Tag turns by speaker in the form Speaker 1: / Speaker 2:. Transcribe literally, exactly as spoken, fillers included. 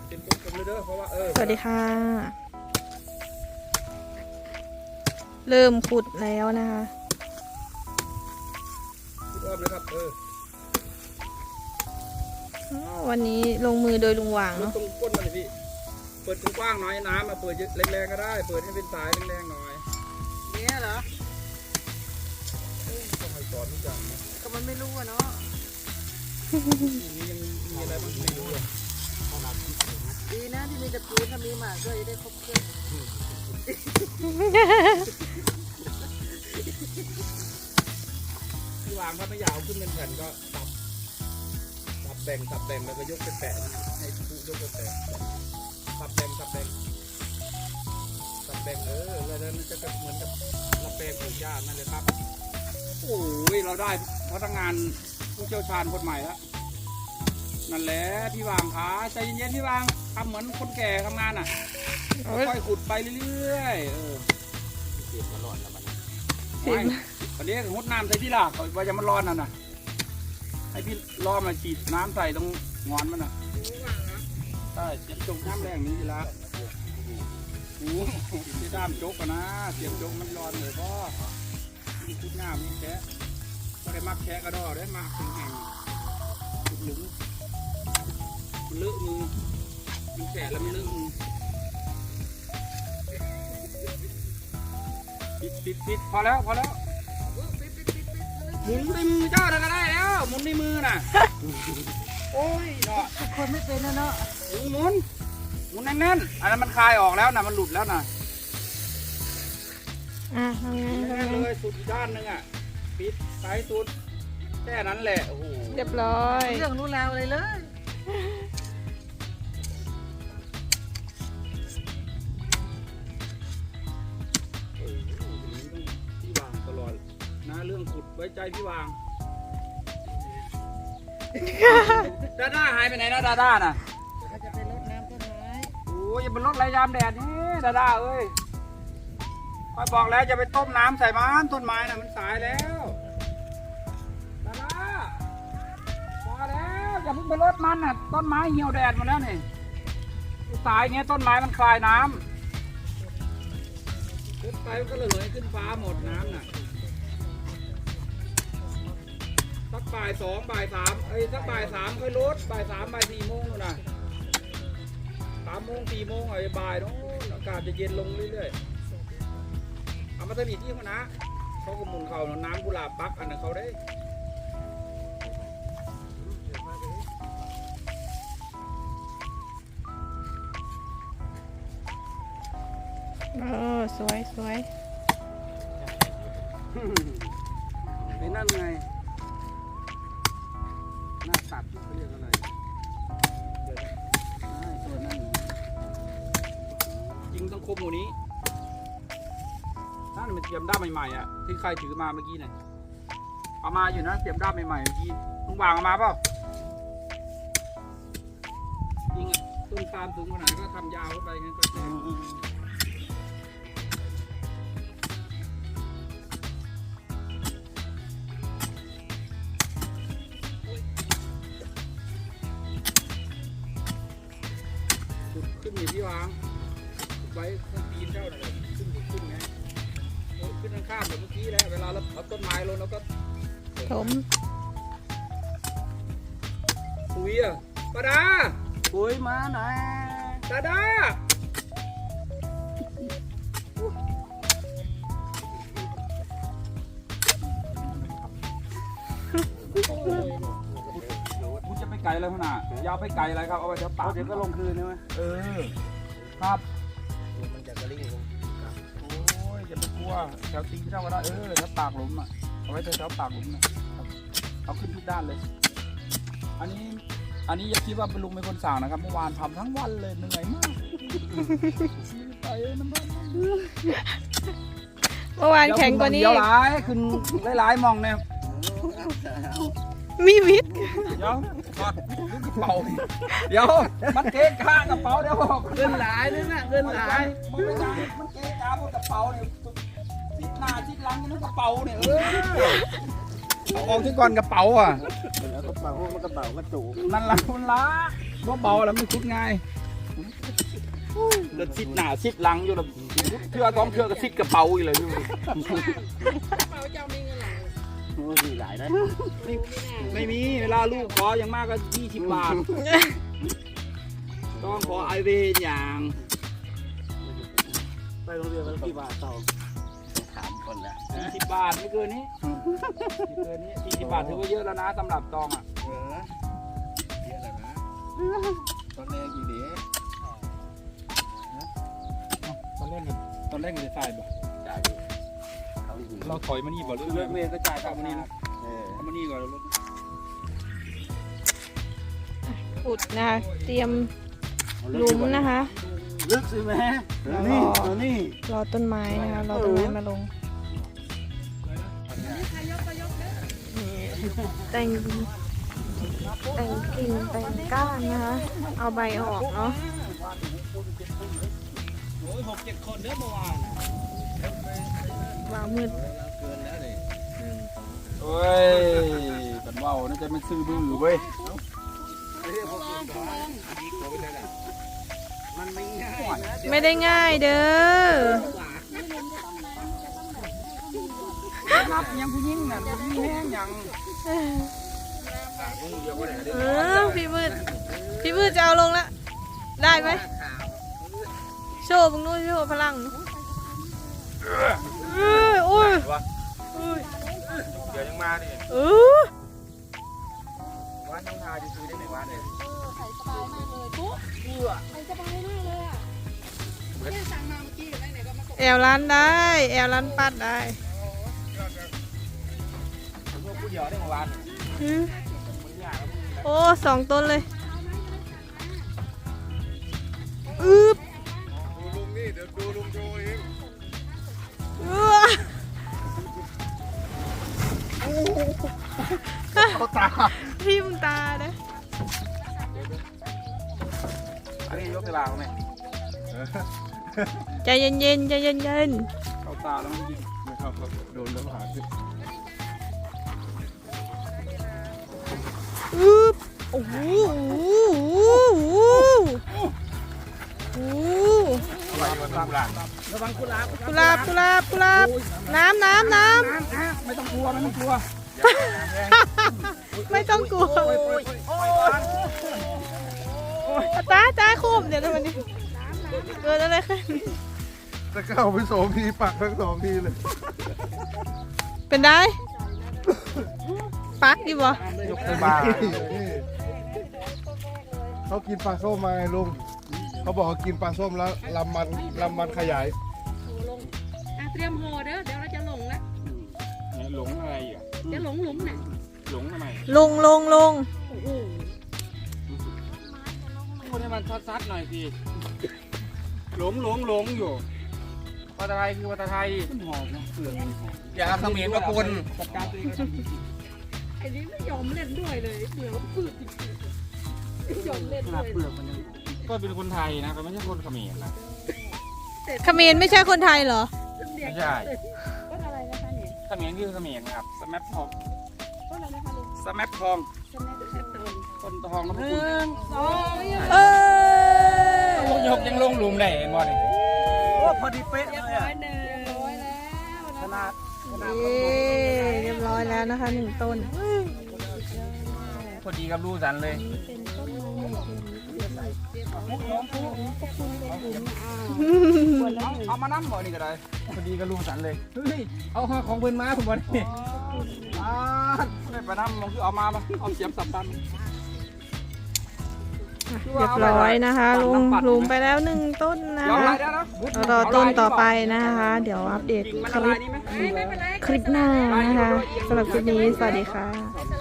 Speaker 1: เต็มผมเลยเด้อเพราะว่าเออ
Speaker 2: สวัสดีค่ะเริ่มขุดแล้วนะคะ
Speaker 1: ขุดอ้อมเลยครับเออ
Speaker 2: วันนี้ลงมือโดยลุงหว่าง
Speaker 1: เนาะ
Speaker 2: เนาะ
Speaker 1: ตรงก้นมันเลยพี่เปิดกว้างๆหน่อยน้ำมาเปิดแรงๆก็ได้เปิดให้เป็นสายแรงๆหน่อย
Speaker 3: เนี่ยเหรอ
Speaker 1: ต้องให้สอนทุกอย่างนะ
Speaker 3: ก็มันไม่รู้อะเนาะ
Speaker 1: นี่ยังมีอะไรบ้างไม่รู้เลย
Speaker 3: ดีนะที่มีตะปูถ้ามีหมากก็จะได้ครบเครื่อง
Speaker 1: ที่วางถ้าไม่อยากเอาขึ้นเป็นแผ่นก็ตับตับแบ่งตับแบ่งแล้วก็ยกไปแปะให้ผู้ยกไปแปะตับแบ่งตับแบ่งตับแบ่งเออแล้วนั้นจะเหมือนกับเราแปลงปลูกหญ้านั่นเลยครับโอ้ยเราได้พนักงานผู้เชี่ยวชาญคนใหม่แล้วนั่นแหละพี่วางขาใจเย็นๆพี่วางทำเหมือนคนแก่ทำงานอ่ะค่อยขุดไปเรื่อยๆเออเสียบมาร้อนแล้วมันวันนี้หุดน้ำใส่ที่ล่ะว่าจะมันร้อนน่ะนะให้พี่ล้อมาฉีดน้ำใส่ตรงงอนมันน่ะใช่เสียบจงน้ำแรงนี้ทีละโอ้ที่ด้ามจกกันนะเสียบจกมันร้อนเลยพ่อมีขุดน้ำมีแฉะก็ได้มักแฉะกระดอได้มักแห้งขุดหลุมมันเลอะมือมันแฉะแล้วมันเลอะมือปิดปิดปิดพอแล้วพอแล้วหมุนในมือเจ้าก็ได้แล้วหมุนในมือน่ะโอ้ยเนาะ
Speaker 3: คนไม่เป็นนะเนาะ
Speaker 1: หมุนหมุนหมุนแน่นๆอันนั้นมันคลายออกแล้วนะมันหลุดแล้วนะ
Speaker 2: อ่ะทำไงทำไง
Speaker 1: เลยสุดด้านนึงอ่ะปิดสายสุดแค่นั้นแหละโอ้โห
Speaker 2: เรียบร้อย
Speaker 3: เรื่องรู้แล้วเลยเลย
Speaker 1: พี่วางตลอดนะเรื่องขุดไว้ใจพี่วางดาด้าหายไปไหนนะดาด้าน่ะ
Speaker 3: เขาจะไปรดน้ำต้นไม้
Speaker 1: โอ้ยอย่าไปรดไรยามแดดนี่ดาด้าเอ้ยคอยบอกแล้วจะไปต้มน้ำใส่มันต้นไม้น่ะมันสายแล้วดาด้าพอแล้วอย่าเพิ่งไปรดมันน่ะต้นไม้เหี่ยวแดดหมดแล้วนี่สายเงี้ยต้นไม้มันคลายน้ำขึ้นไปมันก็ระเหยขึ้นฟ้าหมดน้ำน่ะสักบ่ายสองบ่ายสามเอ้ยสักบ่ายสามค่อยลดบ่ายสามบ่ายสี่โมงนู่นน่ะสามโมงสี่โมงไอ้บ่ายโน้นอากาศจะเย็นลงเรื่อยๆเอามาทำอีกที่เขานะเขาก็หมุนเขาน้ำกุหลาบปักอันนั้นเขาได้
Speaker 2: เออสวยสวย
Speaker 1: ไอ้นั่นไงหน้าตัดเขาเรียกอะไรตัวนั้นจริงต้องคมหมูนี้นั่นมันเตรียมด้ามใหม่ๆอ่ะที่ใครถือมาเมื่อกี้เนี่ยเอามาอยู่นะเตรียมด้ามใหม่ๆเมื่อกี้ลุงวางเอามาเปล่าจริงอ่ะต้นปาล์มสูงขนาดก็ทำยาวเข้าไปงั้นก็แค่ขึ้นอยู่ที่วางไว้ข้างตีนเจ้าหน่อยขึ้นขึ้นไงขึ้นข้างๆแบบเมื่อกี้แล้วเวลาเราเอาต้นไม้ลงแล้วก็
Speaker 2: ถม
Speaker 1: ปุ๋ยอ่ะปาดา
Speaker 3: ปุ๋ยมาหน่อย
Speaker 1: ดาดาคุณจะไปไกลแล้วขนาดยาวไปไกลอะไรครับเอาไว้เดี๋ยวปาก
Speaker 3: เดี๋ยวก็ลงคืนใช่ไหม
Speaker 1: เออครับมันจะกระลิ่งลงโอ้ยอย่าไปกลัวแถวตีนเท่าก็ได้เออแถวปากหลุมอ่ะเอาไว้แถวปากหลุมนะเอาขึ้นทุกด้านเลยอันนี้อันนี้อย่าคิดว่าเป็นลุงเป็นคนสั่งนะครับเมื่อวานทำทั้งวันเลยเหนื่อยมากไปน้ำมัน
Speaker 2: เมื่อวานแข็งกว่านี้
Speaker 1: เดี๋ยวหลายขึ้นหลายๆมองเนี่ย
Speaker 2: มีวิทย์
Speaker 1: เดี๋ยวกอดกระเป๋าเดี๋ยวมันเก๊กข้างกระเป๋าเดี๋ยวบอก
Speaker 3: เงินหลายนึงน่ะเงินหลาย
Speaker 1: มันไม่ใช่มันเก๊กข้างบนกระเป๋าเนี่ยชิดหน้าชิดหลังนี่กระเป๋าเนี่ยเออเอาออกที่ก่อนกระเป๋าอ่ะ
Speaker 3: กระเป๋ามันกระเป๋ากระจุก
Speaker 1: นั่นละมันละเบาๆแล้วมันคุดง่ายเดินซิดหน้าซิดหลังอยู่แล้วเทื่อต้องเทื่อก็ซิดกระเป๋าอีกเลยอยู่
Speaker 3: กระเป๋าเจ้ามีเงินหลาย
Speaker 4: โอ้ยหลายนะ
Speaker 1: ไม่ไม่มีเวลาลูกขออย่างมากก็ยี่สิบบาทต้องขอไอเวนอย่าง
Speaker 4: ไปโรงเรียนวันกี่บาทต่อถามคนละ
Speaker 1: สี่สิบบาทไม่เกินนี้ไม่เกินนี้สี่สิบบาทถือว่าเยอะแล้วนะสำหรับตองอ่ะ
Speaker 4: เออเยอะแล้วนะตอนแรกอยู่เด็ก
Speaker 1: ตอนเล่นกันตอนเล่นกันจะใส่บ่
Speaker 4: จ่ายเขาอยู่
Speaker 1: เราถอยมานี่บ่หรือเลิกเรียนก็จ่ายกลับมานี่นะ
Speaker 4: เออ
Speaker 1: เอามานี่ก่อนแล้ว
Speaker 2: อุดนะเตรียมหลุมนะคะ
Speaker 4: ลึกสิแม่นี่เอานี่
Speaker 2: รอต้นไม้นะคะรอต้นไม้มาลงแต่งแต่งกิ่งแต่งก้านนะคะเอาใบออกเนาะ
Speaker 1: โอ้ยหกเจ็ดคนเด้อเมื่อวาน
Speaker 2: วางมืด
Speaker 4: เกินแล้วเลย
Speaker 1: โอ้ยกันว่าวน่าจะเป็นซื้อบื้อเว้ย
Speaker 4: มันไม่ง่ายนะ
Speaker 2: ไม่ได้ง่ายเด้อ
Speaker 1: นับยังผู้หญิงน่ะผู้หญิงแห้งยัง
Speaker 2: เออพี่มืดพี่มืดจะเอาลงละได้ไหมโชว์มึงนู้นโชว์พลังเอ้ยโอ้ย
Speaker 1: เดี๋ยวยังมาดิ
Speaker 2: เออ
Speaker 1: วันน้องทาจะซื้อได้หนึ่งวันเลย
Speaker 3: ใส่สบายมากเลยปุ๊บใส่สบายมากเลยอ่ะเนี่ยสั่งมาเมื่อกี้อยู่ไหนไหนก็มาตก
Speaker 2: แอลร้านได้แอลร้านปัดได้
Speaker 1: พวกผู้เดียวได้เมื่อวาน
Speaker 2: อืม
Speaker 1: คนยาก
Speaker 2: โอ้สองต้นเลยอึ๊บ
Speaker 4: ดูลุงนี่เดี๋ยวดูลุงโชว์เอง
Speaker 2: อื้อ
Speaker 4: เขาตา
Speaker 2: ทิ่มตาเด้อ
Speaker 1: อันนี้ยกเวลาไหม
Speaker 2: ใจเย็นๆใจเย็น
Speaker 1: เข้าตาแล้วมันยิง
Speaker 4: ไม่เข้าครับโดนแล้วหาขึ้น
Speaker 2: ๆอึ๊บโอ้โหโอ้โห
Speaker 4: อะไรมันตามหลัง
Speaker 1: ระวังกุหลาบ
Speaker 2: กุหลาบกุหลาบกุหลาบน้ำน้ำน้
Speaker 1: น้ำน้ำไม่ต้องกลัวไม่ต้องกลัว
Speaker 2: ำไม่ต้องกลัวตาตาคุมเดี๋ยวนะวันนี้เกิดอะไรขึ้น
Speaker 4: จะเข้าไปสองทีปักทั้งสองทีเลย
Speaker 2: เป็นได้ปักดีบ่
Speaker 1: ยกไปบ้า
Speaker 4: เขากินปลาส้มมาไงลุงเขาบอกว่ากินปลาส้มแล้วลำมันลำมันขยาย
Speaker 3: โหลงอ่ะเตรียมโหเด้อเดี๋ยวเราจะหลงแล้ว
Speaker 1: หลงอะไรอ่ะ
Speaker 3: จะหลงหลุมน่ะ
Speaker 1: หลงทำไม
Speaker 2: ลงลงลง
Speaker 3: โอ้โห
Speaker 1: คนให้มันซัดๆหน่อยสิหลงหลงหลงอยู่ภาษาไทยคือภาษาไทยหอมนะเปลือกอย่าเขมรมาปนจัดการตัวเอง
Speaker 3: ไอ้นี่ไม่ยอมเล่นด้วยเลยเบื่อฝืดจริงๆไม่ยอมเล่นด้วย
Speaker 1: เปลือกมันยังก็เป็นคนไทยนะก็ไม่ใช่คนเขมรนะ
Speaker 2: เขมรไม่ใช่คนไทยเหรอ
Speaker 1: ไม่ใช่
Speaker 3: ต้นอะไรนะคะเนี่ย
Speaker 1: เขมรคือเขมรครับสแมปทอง
Speaker 3: ต้นอะไรนะคะลุง
Speaker 1: สแมปทอง
Speaker 3: สแนปแอปเปิล
Speaker 1: ต้นทองแล้ว
Speaker 3: ห
Speaker 1: พวก
Speaker 3: นึ่
Speaker 1: คุณ
Speaker 3: งสอง
Speaker 2: เออ
Speaker 1: ลูกยกยังลงหลุมได้เห็นบ่เนี่ยโอ้พอดีเป๊ะ
Speaker 3: เรียบ
Speaker 1: เลย
Speaker 3: ร้อ
Speaker 1: อ่ะ
Speaker 3: ยหนึ่งเรียบร้อยแล้ว
Speaker 1: ขนาดขนาด
Speaker 2: เย้เรียบร้อยแล้วนะคะหนึ่งต้น
Speaker 1: พอดีกับลูกสันเลยมุกน้องปุ๊เอามานั่งบ่นี่ก็ได้พอดีกับลูกสันเลยเฮ้ยเอาของเพิ่นมาผมบ่นี่อ่าไม่ไปนั่งมองคือเอามาปะเอาเสียมสับตัน
Speaker 2: เรียบร้อยนะคะลุงลุงไปแล้วหนึ่งต้นนะ
Speaker 1: ยอม
Speaker 2: คะ
Speaker 1: ลายได้นะ
Speaker 2: รอต้นต่อไปนะคะ เดี๋ยวอัปเดต
Speaker 1: กิ่งมัน
Speaker 2: ค
Speaker 1: ละ
Speaker 2: ลิ
Speaker 1: ลา
Speaker 2: ป
Speaker 1: ยนี่ไหม
Speaker 3: ไม่เป็นไร
Speaker 2: คลิปหน้านะคะสำหรับคลิปนี้สวัสดีค่ะ
Speaker 3: ส